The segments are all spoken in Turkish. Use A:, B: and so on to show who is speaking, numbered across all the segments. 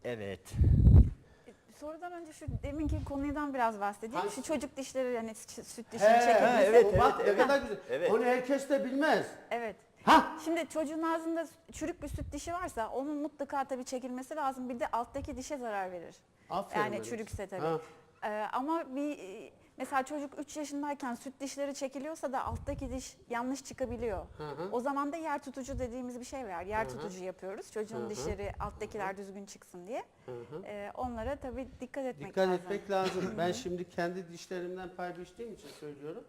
A: Evet.
B: Sorudan önce şu deminki konudan biraz bahsedeyim.
C: Hangisi?
B: Şu çocuk dişleri yani süt dişini çekebilirse.
A: evet,
C: bak
A: evet,
C: ne kadar güzel.
A: evet.
C: Onu herkes de bilmez.
B: Evet.
C: Ha?
B: Şimdi çocuğun ağzında çürük bir süt dişi varsa onun mutlaka tabii çekilmesi lazım. Bir de alttaki dişe zarar verir.
C: Aferin
B: Yani
C: benim.
B: çürükse tabii.
C: Ha.
B: Ama mesela çocuk 3 yaşındayken süt dişleri çekiliyorsa da alttaki diş yanlış çıkabiliyor.
C: Hı.
B: O zaman da yer tutucu dediğimiz bir şey var. Yer
C: Hı hı.
B: tutucu yapıyoruz. Çocuğun
C: Hı hı.
B: dişleri alttakiler düzgün çıksın diye.
C: Hı hı.
B: Onlara tabii dikkat etmek
C: Dikkat
B: lazım.
C: etmek lazım. Ben şimdi kendi dişlerimden pay biçtiğim için söylüyorum.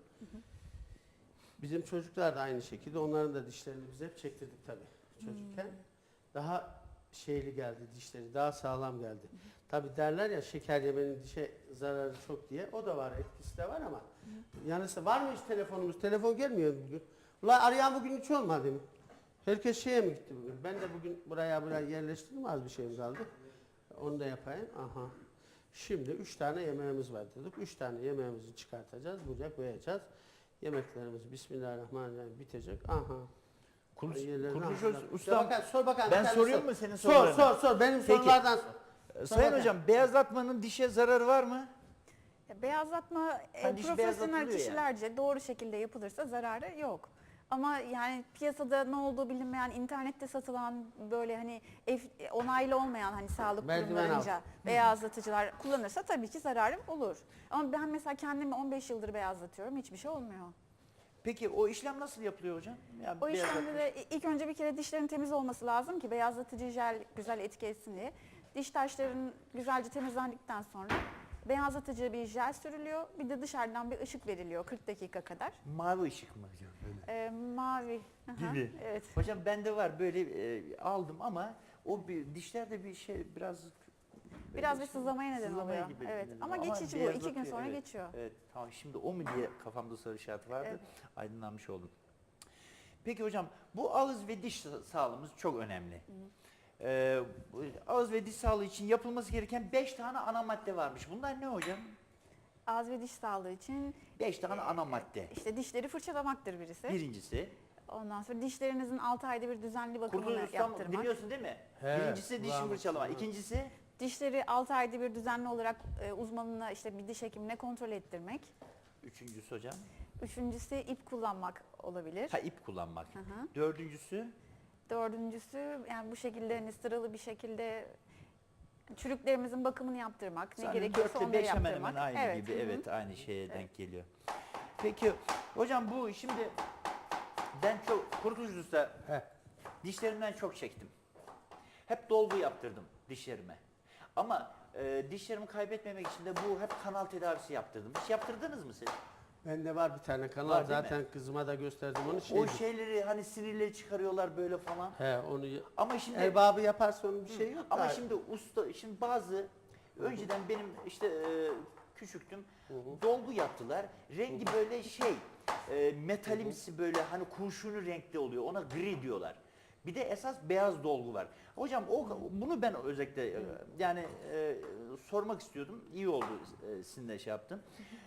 C: Bizim çocuklar da aynı şekilde. Onların da dişlerini biz hep çektirdik tabii çocukken. Daha şeyli geldi dişleri, daha sağlam geldi. Tabii derler ya şeker yemenin dişe zararı çok diye. O da var, etkisi de var ama. Yanısı var mı hiç telefonumuz? Telefon gelmiyor bugün. Ulan arayan bugün hiç olmadı mı? Herkes şeye mi gitti bugün? Ben de bugün buraya yerleştirdim, az bir şeyim kaldı. Onu da yapayım. Aha. Şimdi 3 tane yemeğimiz var dedik. 3 tane yemeğimizi çıkartacağız, buraya koyacağız. Yemeklerimiz Bismillahirrahmanirrahim bitecek. Aha.
A: Kurtuluş Ustam,
C: Sor bakalım.
A: ben
C: bir tane
A: soruyor
C: sor.
A: mu senin
C: Sor
A: sorularını?
C: sor. Benim
A: Peki.
C: sorulardan sor.
A: Sayın
C: bakalım.
A: hocam, beyazlatmanın dişe zararı var mı?
B: Beyazlatma
A: Hani diş
B: profesyonel
A: beyazlatılıyor yani.
B: kişilerce doğru şekilde yapılırsa zararı yok. Ama yani piyasada ne olduğu bilinmeyen, internette satılan böyle hani onaylı olmayan hani sağlık
C: Merdiven
B: kurumlarınca beyazlatıcılar kullanırsa tabii ki zararı olur. Ama ben mesela kendimi 15 yıldır beyazlatıyorum, hiçbir şey olmuyor.
A: Peki o işlem nasıl yapılıyor hocam? Yani
B: O işlemde
A: beyazlatma.
B: de ilk önce bir kere dişlerin temiz olması lazım ki beyazlatıcı jel güzel etki etsin diye. Diş taşların güzelce temizlendikten sonra beyazlatıcı bir jel sürülüyor. Bir de dışarıdan bir ışık veriliyor 40 dakika kadar.
A: Mavi ışık mı hocam? Böyle.
B: Mavi. Aha,
A: Gibi.
B: evet.
A: Hocam bende var böyle aldım ama o dişlerde bir şey biraz
B: Biraz bir sızlamaya neden
A: sızlamaya
B: oluyor.
A: gibi
B: Evet.
A: dedim.
B: Ama geçici bu. 2 gün
A: beyazlatıyor,
B: sonra
A: evet.
B: geçiyor.
A: Evet. Tamam, şimdi o mu diye kafamda soru işareti vardı.
B: Evet.
A: Aydınlanmış oldum. Peki hocam, bu ağız ve diş sağlığımız çok önemli. Bu ağız ve diş sağlığı için yapılması gereken 5 tane ana madde varmış. Bunlar ne hocam?
B: Ağız ve diş sağlığı için
A: 5 tane ana madde.
B: işte dişleri fırçalamaktır birisi.
A: Birincisi,
B: Ondan sonra dişlerinizin 6 ayda bir düzenli bakımını
A: Kurtuluş Ustam
B: yaptırmak.
A: dinliyorsun değil mi?
C: He,
A: Birincisi diş
C: kulağım
A: fırçalama.
C: aslında.
A: İkincisi
B: Dişleri 6 ayda bir düzenli olarak uzmanına işte bir diş hekimine kontrol ettirmek.
A: üçüncüsü hocam.
B: Üçüncüsü ip kullanmak olabilir.
A: Ha, ip kullanmak.
B: Hı hı.
A: Dördüncüsü
B: Dördüncüsü yani bu şekilde hani sıralı bir şekilde çürüklerimizin bakımını yaptırmak. Ne gerekiyorsa
A: 4 ile
B: onları
A: 5 hemen
B: yaptırmak.
A: hemen aynı
B: Evet,
A: gibi.
B: hı hı.
A: Evet, aynı şeye denk geliyor. Peki hocam, bu şimdi ben çok Kurtuluş Usta
C: He.
A: dişlerimden çok çektim. Hep dolgu yaptırdım dişlerime. Ama dişlerimi kaybetmemek için de bu hep kanal tedavisi yaptırdım. Hiç yaptırdınız mı siz?
C: Bende var bir tane kanal,
A: Var değil
C: zaten kızıma da gösterdim onu.
A: O şeyleri hani sinirleri çıkarıyorlar böyle falan.
C: He, onu
A: Ama şimdi
C: erbabı yaparsa onun bir şey yok.
A: ama
C: da.
A: şimdi şimdi bazı önceden benim işte küçüktüm, dolgu yaptılar. Rengi böyle metalimsi, böyle hani kurşuni renkte oluyor. Ona gri diyorlar. Bir de esas beyaz dolgu var. Hocam bunu ben özellikle yani sormak istiyordum. İyi oldu sizinle şey yaptım.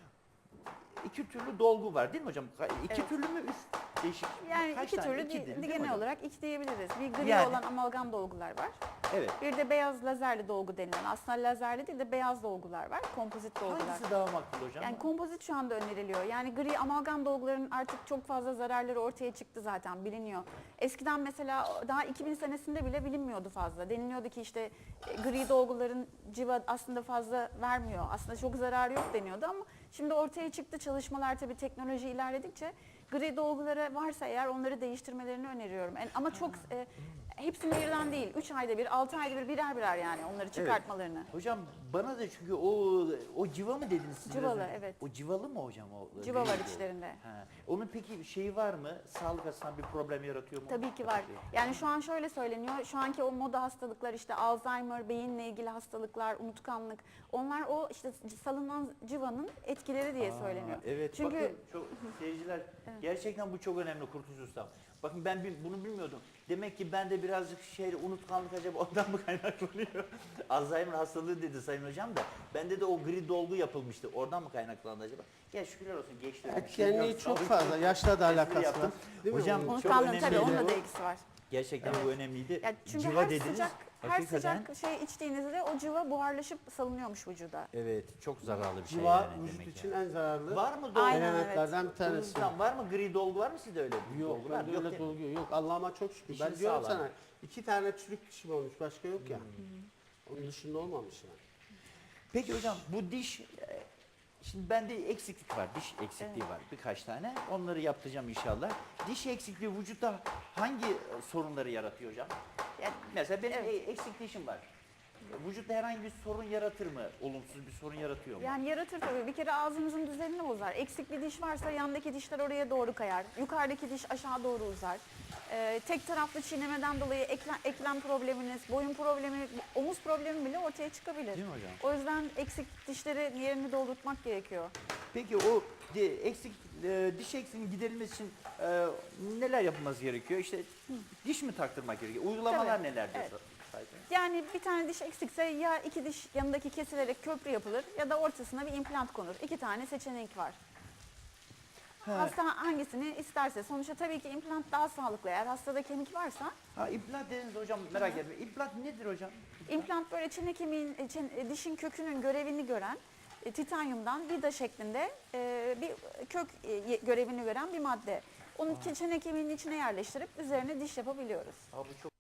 A: İki türlü dolgu var değil mi hocam? İki
B: Evet.
A: türlü mü, üç değişik?
B: Yani
A: Kaç
B: iki
A: tane?
B: türlü
A: İki değil mi
B: genel
A: hocam?
B: olarak iki diyebiliriz. Bir gri
A: Yani.
B: olan amalgam dolgular var.
A: Evet.
B: Bir de beyaz lazerli dolgu denilen, aslında lazerli değil de beyaz dolgular var. Kompozit dolgular.
A: Hangisi daha makbul hocam?
B: Yani kompozit şu anda öneriliyor. Yani gri amalgam dolguların artık çok fazla zararları ortaya çıktı zaten, biliniyor. Eskiden mesela daha 2000 senesinde bile bilinmiyordu fazla. Deniliyordu ki işte gri dolguların civa aslında fazla vermiyor. Aslında çok zararı yok deniyordu ama şimdi ortaya çıktı çalışmalar, tabii teknoloji ilerledikçe gri dolguları varsa eğer onları değiştirmelerini öneriyorum. Ama çok hepsini birden değil. 3 ayda bir, 6 ayda bir, birer birer yani onları çıkartmalarını.
A: Hocam bana da çünkü o civa mı dediniz siz?
B: Civalı,
A: biraz önce?
B: evet.
A: O civalı mı hocam o?
B: Civa var
A: rengi?
B: içlerinde.
A: Ha. Onun peki şeyi var mı? Sağlık açısından bir problem yaratıyor mu?
B: Tabii ki var. Yani şu an şöyle söyleniyor. Şu anki o moda hastalıklar, işte Alzheimer, beyinle ilgili hastalıklar, unutkanlık. Onlar o işte salınan civanın etkileri diye söyleniyor.
A: Evet.
B: Çünkü
A: Bakın çok seyirciler, gerçekten bu çok önemli Kurtuluş Ustam. Bakın ben bunu bilmiyordum. Demek ki bende birazcık unutkanlık acaba ondan mı kaynaklanıyor? Alzheimer hastalığı dedi Sayın Hocam da. Bende de o gri dolgu yapılmıştı. Oradan mı kaynaklandı acaba? Ya şükürler olsun geçti.
C: Etkenliği çok fazla. Yaşla da alakası var. Değil mi?
A: Hocam,
C: Onun?
A: çok
B: unutkanlığın
A: önemli
B: tabii
A: bu.
B: onunla da ilgisi var.
A: Gerçekten bu önemliydi.
B: Yani çünkü
A: Civa
B: her
A: dediniz.
B: sıcak
A: Hakikaten,
B: şey içtiğinizde o civa buharlaşıp salınıyormuş vücuda.
A: evet, çok zararlı bir şey
C: Civa
A: yani
C: vücut
A: demek
C: için
A: yani.
C: en zararlı
A: Var mı dolgu?
B: Aynen.
C: elementlerden bir tanesi.
A: Bundan var mı gri dolgu, var mı sizde öyle?
C: Yok,
A: dolgu var mı?
C: bende öyle
A: değil mi?
C: dolgu yok. Allah'ıma çok şükür.
A: Dişin
C: Ben diyorum
A: sağlam.
C: sana 2 tane çürük dişim olmuş, başka yok ya. Onun dışında olmamış yani.
A: Peki hocam bu diş, şimdi bende eksiklik var, diş eksikliği var birkaç tane. Onları yaptıracağım inşallah. Diş eksikliği vücutta hangi sorunları yaratıyor hocam? Yani mesela benim eksik dişim var. Vücutta herhangi bir sorun yaratır mı? Olumsuz bir sorun yaratıyor mu?
B: Yani yaratır tabii. Bir kere ağzımızın düzenini bozar. Eksik bir diş varsa yandaki dişler oraya doğru kayar. Yukarıdaki diş aşağı doğru uzar. Tek taraflı çiğnemeden dolayı eklem probleminiz, boyun problemi, omuz problemi bile ortaya çıkabilir.
A: Değil mi hocam?
B: O yüzden eksik dişleri yerini doldurtmak gerekiyor.
A: Peki o diş eksikliğinin giderilmesi için neler yapılması gerekiyor? İşte diş mi taktırmak gerekiyor? Uygulamalar
B: Tabii,
A: neler diyor?
B: evet. Yani bir tane diş eksikse ya iki diş yanındaki kesilerek köprü yapılır ya da ortasına bir implant konur. 2 tane seçenek var. Hasta hangisini isterse. Sonuçta tabii ki implant daha sağlıklı. Eğer hastada kemik varsa
A: Ha, implant dediniz hocam, merak etme. İmplant nedir hocam?
B: implant böyle çene kemiğin, dişin kökünün görevini gören titanyumdan vida şeklinde bir kök görevini gören bir madde. Onu çene kemiğinin içine yerleştirip üzerine diş yapabiliyoruz.
A: Ha, bu çok